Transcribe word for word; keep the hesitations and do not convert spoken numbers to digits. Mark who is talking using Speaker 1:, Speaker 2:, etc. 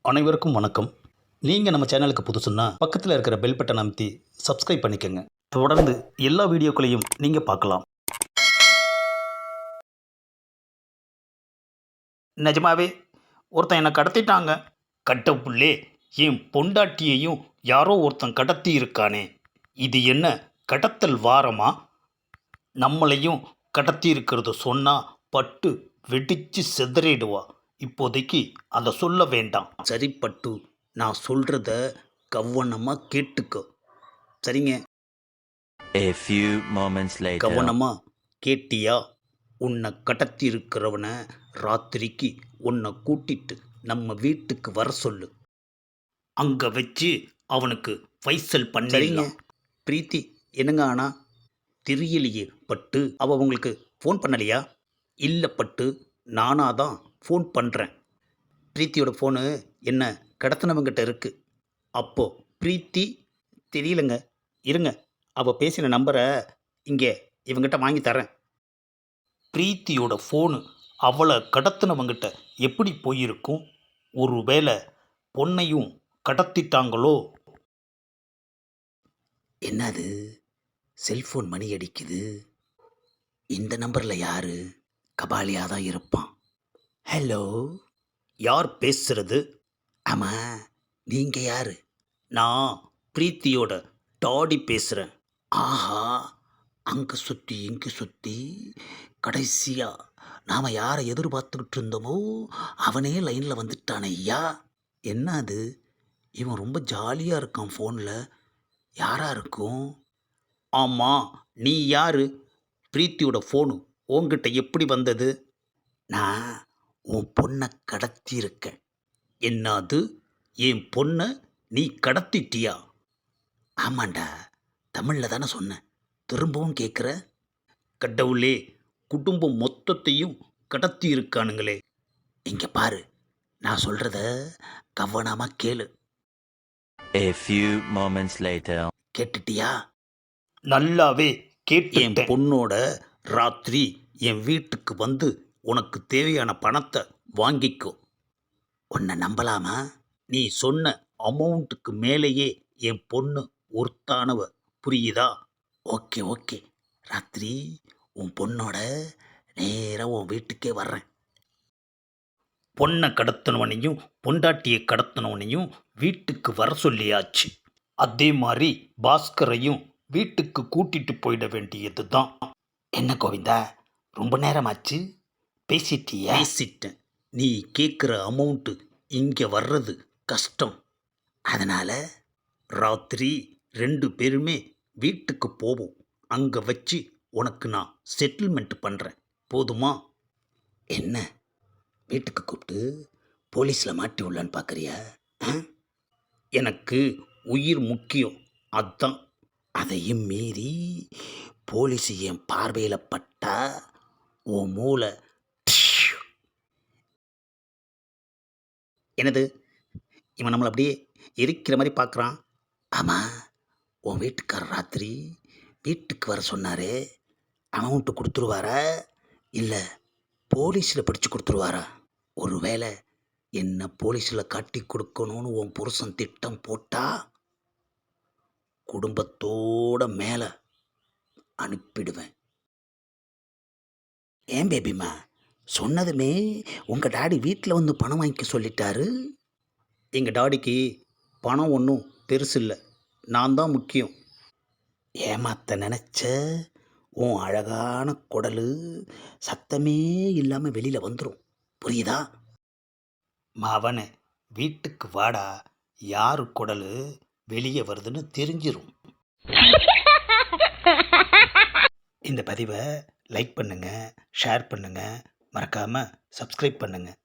Speaker 1: அனைவருக்கும் வணக்கம். நீங்கள் நம்ம சேனலுக்கு புதுசுன்னா பக்கத்தில் இருக்கிற பெல் பட்டனை அமைத்தி சப்ஸ்கிரைப் பண்ணிக்கோங்க. தொடர்ந்து எல்லா வீடியோக்களையும் நீங்கள் பார்க்கலாம். நிஜமாவே ஒருத்தன் என்னை கடத்திட்டாங்க. கட்டப்புள்ளே, என் பொண்டாட்டியையும் யாரோ ஒருத்தன் கடத்தி இருக்கானே. இது என்ன கடத்தல் வாரமா? நம்மளையும் கடத்தி இருக்கிறது சொன்னால் பட்டு வெடிச்சு செதறிடுவா. இப்போதைக்கு அதை சொல்ல வேண்டாம். சரி பட்டு, நான் சொல்கிறத கவனமாக கேட்டுக்கோ. சரிங்க?
Speaker 2: A few moments later.
Speaker 1: கவனமாக கேட்டியா? உன்னை கடத்தி இருக்கிறவனை ராத்திரிக்கு உன்னை கூட்டிட்டு நம்ம வீட்டுக்கு வர சொல்லு. அங்கே வச்சு அவனுக்கு ஃபைசல் பண்ணிங்க. பிரீத்தி என்னங்க ஆனா? தெரியலையே பட்டு. அவள் உங்களுக்கு ஃபோன் பண்ணலையா? இல்லை பட்டு, நானாக தான் ஃபோன் பண்ணுறேன். பிரீத்தியோட ஃபோனு என்ன கடத்தினவங்கிட்ட இருக்குது. அப்போது பிரீத்தி தெரியலங்க. இருங்க, அவள் பேசின நம்பரை இங்கே இவங்கிட்ட வாங்கி தரேன். பிரீத்தியோட ஃபோனு அவளை கடத்தினவங்கிட்ட எப்படி போயிருக்கும்? ஒரு வேளை பொண்ணையும் கடத்திட்டாங்களோ? என்னது, செல்ஃபோன் மணி அடிக்குது. இந்த நம்பரில் யாரு? கபாலியாக தான் இருப்பான். ஹலோ, யார் பேசுறது? ஆமாம், நீங்கள் யார்? நான் பிரீத்தியோட டாடி பேசுகிறேன். ஆஹா, அங்கே சுற்றி இங்கே சுற்றி கடைசியாக நாம் யாரை எதிர்பார்த்துக்கிட்டு இருந்தோமோ அவனே லைனில் வந்துட்டானே ஐயா. என்ன அது, இவன் ரொம்ப ஜாலியாக இருக்கான் ஃபோனில். யாராக இருக்கும்? ஆமாம், நீ யார்? பிரீத்தியோட ஃபோனு உன்கிட்ட எப்படி வந்தது? நான் உன் பொண்ணை கடத்தியிருக்கேன். என்னது, என் பொண்ணை நீ கடத்திட்டியா? ஆமாண்டா, தமிழில் தானே சொன்னேன், திரும்பவும் கேட்குற? கடவுளே, குடும்பம் மொத்தத்தையும் கடத்தி இருக்கானுங்களே. இங்கே பாரு, நான் சொல்கிறத கவனமாக கேளு.
Speaker 2: A few moments later.
Speaker 1: கேட்டுட்டியா? நல்லாவே கேட்டு. என் பொண்ணோட ராத்திரி என் வீட்டுக்கு வந்து உனக்கு தேவையான பணத்தை வாங்கிக்கோ. உன்னை நம்பலாமா? நீ சொன்ன அமௌண்ட்டுக்கு மேலேயே என் பொண்ணு ஒருத்தானவ, புரியுதா? ஓகே ஓகே, ராத்திரி உன் பொண்ணோட நேராக உன் வீட்டுக்கே வர்றேன். பொண்ணை கடத்தினவனையும் பொண்டாட்டியை கடத்தினவனையும் வீட்டுக்கு வர சொல்லியாச்சு. அதே மாதிரி பாஸ்கரையும் வீட்டுக்கு கூட்டிட்டு போயிட வேண்டியது தான். என்ன கோவிந்தா, ரொம்ப நேரமாச்சு, பேசிட்டியா? பேசிட்டேன். நீ கேட்குற அமௌண்ட்டு இங்கே வர்றது கஷ்டம். அதனால் ராத்திரி ரெண்டு பேருமே வீட்டுக்கு போவோம். அங்கே வச்சு உனக்கு நான் செட்டில்மெண்ட் பண்ணுறேன், போதுமா? என்ன, வீட்டுக்கு கூப்பிட்டு போலீஸில் மாட்டி உள்ளான்னு பார்க்குறியா? எனக்கு உயிர் முக்கியம், அதுதான். அதையும் மீறி போலீஸ் என் பார்வையில் பட்டா உன் மூளை. என்னது, இவன் நம்மளை அப்படியே எரிக்கிற மாதிரி பார்க்குறான். ஆமாம், உன் வீட்டுக்காரர் ராத்திரி வீட்டுக்கு வர சொன்னாரே, அமௌண்ட்டு கொடுத்துருவாரா இல்லை போலீஸில் பிடிச்சி கொடுத்துருவாரா? ஒரு வேளை என்ன போலீஸில் காட்டி கொடுக்கணும்னு உன் புருஷன் திட்டம் போட்டா குடும்பத்தோட மேலே அனுப்பிடுவேன். ஏன் பேபிமா, சொன்னதுமே உங்கள் டாடி வீட்டில் வந்து பணம் வாங்கிக்க சொல்லிட்டாரு. எங்கள் டாடிக்கு பணம் ஒன்றும் பெருசு இல்லை, நான் தான் முக்கியம். ஏமாத்த நினச்ச உன் அழகான குடல் சத்தமே இல்லாமல் வெளியில் வந்துடும், புரியுதா? மாவனை வீட்டுக்கு வாடா, யாரு குடல் வெளியே வருதுன்னு தெரிஞ்சிரும். இந்த பதிவை லைக் பண்ணுங்கள், ஷேர் பண்ணுங்கள், மறக்காமல் சப்ஸ்கிரைப் பண்ணுங்கள்.